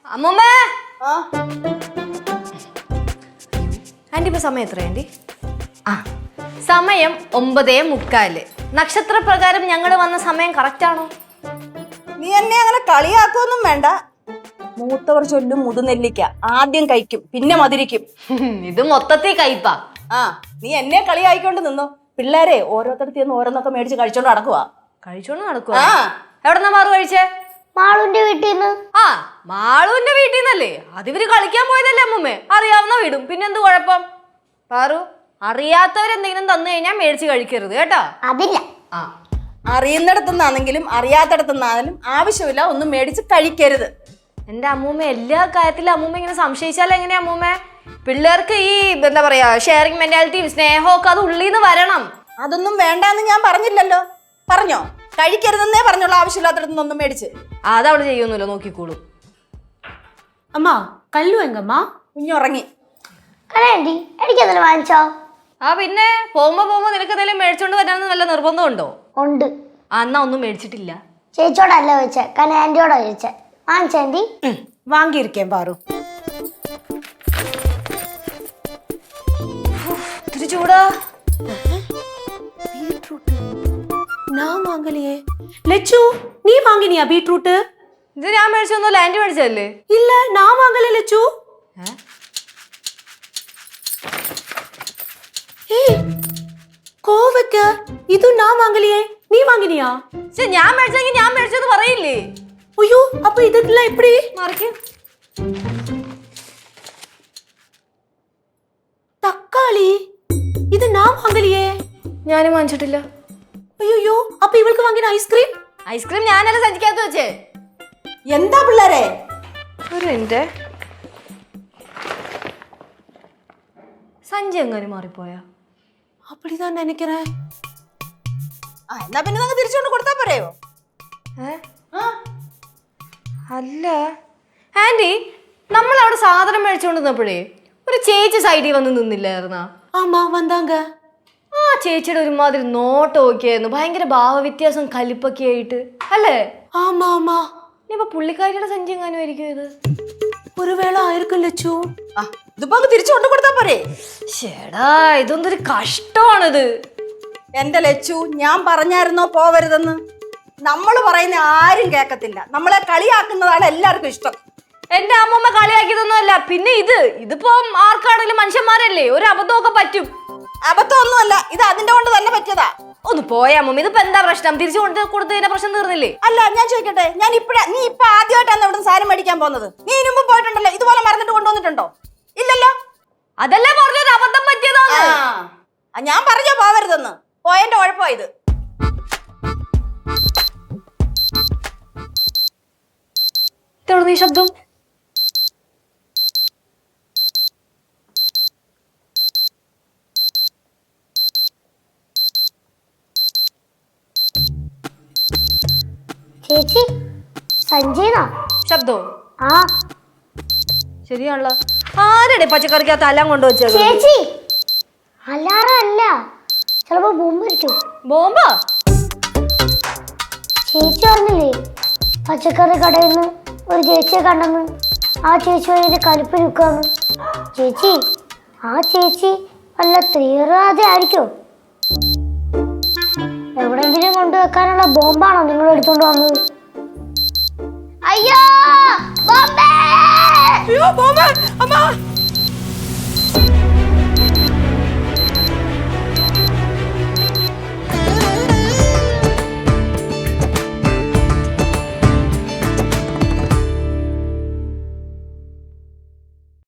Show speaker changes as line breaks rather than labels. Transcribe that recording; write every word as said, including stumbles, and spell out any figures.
അമ്മൂമ്മേ anti ഇപ്പൊ സമയം എത്ര ആന്റി? ആ സമയം ഒമ്പതേ മുക്കാല്. നക്ഷത്രപ്രകാരം ഞങ്ങൾ വന്ന സമയം കറക്റ്റ് ആണോ?
നീ എന്നെ അങ്ങനെ കളിയാക്കൊന്നും വേണ്ട. മൂത്തവർ ചൊല്ലും മുതുനെല്ലിക്ക ആദ്യം കഴിക്കും പിന്നെ മധുരിക്കും.
ഇത് മൊത്തത്തിൽ കയ്പാ.
ആ നീ എന്നെ കളിയായിക്കൊണ്ട് നിന്നോ. പിള്ളേരെ ഓരോരുത്തരത്തിൽ നിന്ന് ഓരോന്നൊക്കെ മേടിച്ച് കഴിച്ചോണ്ട് നടക്കുവാ.
കഴിച്ചോണ്ട് നടക്കുവാ? എവിടെന്നാ മാറു കഴിച്ചേ?
മാളുവിന്റെ വീട്ടിൽ നിന്ന്.
ആ മാളുവിന്റെ വീട്ടിൽ നിന്നല്ലേ? അതിവര് കളിക്കാൻ പോയതല്ലേ അമ്മൂമ്മേ? അറിയാവുന്ന വീടും പിന്നെന്ത് കുഴപ്പം? പാറു, അറിയാത്തവരെന്തെങ്കിലും തന്നു കഴിഞ്ഞാൽ മേടിച്ച് കഴിക്കരുത് കേട്ടോ.
അതില്ല.
ആ അറിയുന്നിടത്തുനിന്നാണെങ്കിലും അറിയാത്തടത്തുനിന്നാണെങ്കിലും ആവശ്യമില്ല ഒന്നും മേടിച്ച് കഴിക്കരുത്.
എന്റെ അമ്മൂമ്മ എല്ലാ കാര്യത്തിലും അമ്മൂമ്മ ഇങ്ങനെ സംശയിച്ചാൽ എങ്ങനെയാ അമ്മൂമ്മ? പിള്ളേർക്ക് ഈ എന്താ പറയാ ഷെയറിംഗ് മെന്റാലിറ്റിയും സ്നേഹമൊക്കെ അത് ഉള്ളിൽ നിന്ന് വരണം.
അതൊന്നും വേണ്ടാന്ന് ഞാൻ പറഞ്ഞില്ലല്ലോ. പറഞ്ഞോ? കഴിക്കരുതെന്നേ പറഞ്ഞുള്ള ആവശ്യമില്ലാത്തടത്തുനിന്നൊന്നും മേടിച്ച്.
അതവള് ചെയ്യൊന്നുമില്ല, നോക്കിക്കോളൂ.
അമ്മ കല്ലു എങ്കമ്മ
കുഞ്ഞുറങ്ങി.
കലയാണ്ടി എനിക്കതിൽ വാങ്ങിച്ചോ?
ആ പിന്നെ പോകുമ്പോ പോകുമ്പോ നിനക്ക് എന്തെങ്കിലും മേടിച്ചോണ്ട് വരാമെന്ന് നല്ല നിർബന്ധമുണ്ടോ?
ഉണ്ട്.
ആ എന്നാ ഒന്നും മേടിച്ചിട്ടില്ല.
ചേച്ചിയോടല്ല ചോദിച്ചേ, കലയാൻറ്റിയോടാ ചോദിച്ചേ. വാങ്ങിച്ചേണ്ടി?
വാങ്ങിയിരിക്കേം പാറു.
ഇത്തിരി ചൂടാ.
ഞാൻ വാങ്ങലിയേ. ലച്ചു നീ വാങ്ങിനിയാ ബീട്രൂട്ട്?
ഇത് ഞാൻ മേടിച്ചൊന്നുമല്ല, ആന്റി മേടിച്ചതല്ലേ?
ഇല്ല ഞാൻ വാങ്ങലേ ലച്ചു. കോവക്ക ഇത് ഞാൻ വാങ്ങലിയേ, നീ വാങ്ങിനിയാ?
ഞാൻ മേടിച്ചെങ്കിൽ ഞാൻ മേടിച്ചത് പറയില്ലേ?
അയ്യോ അപ്പൊ ഇതെല്ലാം എപ്പടി
മറിക്ക്.
തക്കാളി ഇത് ഞാൻ വാങ്ങലിയേ.
ഞാനും വാങ്ങിച്ചിട്ടില്ല.
അയ്യോ അപ്പൊ ഇവൾക്ക് വാങ്ങിന ഐസ്ക്രീം?
ഐസ്ക്രീം ഞാനല്ല സഞ്ചിക്കകത്ത് വെച്ചേ.
എന്താ പിള്ളേരെ?
ഒരു മിനിറ്റ്. സഞ്ചി എങ്ങനെ മാറിപ്പോയാ?
அப்படிதான் நினைக்கிறேன்.
ആ എന്നാ പിന്നെ നമുക്ക് തിരിച്ചുകൊണ്ട് കൊടുത്താ പോരെയോ?
അല്ല ആന്റി, നമ്മൾ അവിടെ സാധനം മേടിച്ചുകൊണ്ട് നിന്നപ്പോഴേ ഒരു ചേച്ചി സൈഡിൽ വന്ന് നിന്നില്ലായിരുന്നാ?
ஆமா வந்தாங்க.
ആ ചേച്ചിയുടെ ഒരുമാതിരി നോട്ടമൊക്കെ ആയിരുന്നു, ഭയങ്കര ഭാവവ്യത്യാസം കലിപ്പൊക്കെ ആയിട്ട് അല്ലേ?
ஆமா ஆமா.
ഇനിയിപ്പോ പുള്ളിക്കാരിയുടെ സഞ്ചി എങ്ങാനും ആയിരിക്കും ഇത്.
ஒருவேளை ஆயிருக்கும் லட்சு.
ആ ഇതിപ്പോ തിരിച്ചുകൊണ്ട് കൊടുത്താ പോരെ?
ചേടാ ഇതൊന്നൊരു കഷ്ടമാണിത്.
എന്റെ ലച്ചു, ഞാൻ പറഞ്ഞായിരുന്നോ പോവരുതെന്ന്? നമ്മൾ പറയുന്ന ആരും കേക്കത്തില്ല. നമ്മളെ കളിയാക്കുന്നതാണ് എല്ലാവർക്കും ഇഷ്ടം.
എന്റെ അമ്മമ്മ കളിയാക്കിയതൊന്നും അല്ല. പിന്നെ ഇത് ഇതിപ്പോ ആർക്കാണെങ്കിലും മനുഷ്യന്മാരല്ലേ, ഒരു അബദ്ധമൊക്കെ പറ്റും.
അബദ്ധമൊന്നുമല്ല, ഇത് അതിന്റെ കൊണ്ട് തന്നെ പറ്റിയതാ.
ഒന്ന് പോയാ അമ്മമ്മ, ഇതിപ്പോ എന്താ പ്രശ്നം? തിരിച്ചു കൊണ്ട് കൊടുത്തതിന്റെ പ്രശ്നം തീർന്നില്ലേ?
അല്ല ഞാൻ ചോദിക്കട്ടെ, ഞാൻ ഇപ്പഴ നീ ഇപ്പൊ ആദ്യമായിട്ടാണ് ഇവിടെ സാധനം മേടിക്കാൻ പോകുന്നത്. നീ ഇതിനു മുമ്പ് പോയിട്ടുണ്ടല്ലോ, ഇതുപോലെ മറന്നിട്ട് കൊണ്ടുവന്നിട്ടുണ്ടോ? ഇല്ലല്ലോ.
അതല്ലേ പറഞ്ഞൊരു അബദ്ധം പറ്റിയതാണ്.
ആ ഞാൻ പറഞ്ഞോ പോവരുതെന്ന്. പോയതിന്റെ കുഴപ്പമാ ഇത്.
ഇതെവിടുന്ന് ഈ ശബ്ദം?
ചേച്ചി സഞ്ജീന
ശബ്ദോ?
ആ
ശരിയാണല്ലോ. ആരുടെ പച്ചക്കറിക്കകത്ത് എല്ലാം കൊണ്ടുവച്ചത്?
ചേച്ചി അല്ലാറ അല്ല, ചിലപ്പോ ബോംബായിരിക്കും.
ബോംബാ?
ചേച്ചി പറഞ്ഞില്ലേ പച്ചക്കറി കടയിൽ നിന്ന് ഒരു ചേച്ചിയെ കണ്ടെന്ന്? ആ ചേച്ചി അതിന്റെ കലിപ്പ് നിൽക്കാന്ന്. ചേച്ചി ആ ചേച്ചി വല്ല തീവ്രവാദി ആയിരിക്കും. എവിടെങ്കിലും കൊണ്ടുവെക്കാനുള്ള ബോംബാണോ നിങ്ങൾ എടുത്തോണ്ട് വന്നത്? അയ്യോ ബോംബേ!
അയ്യോ ബോംബ് അമ്മ.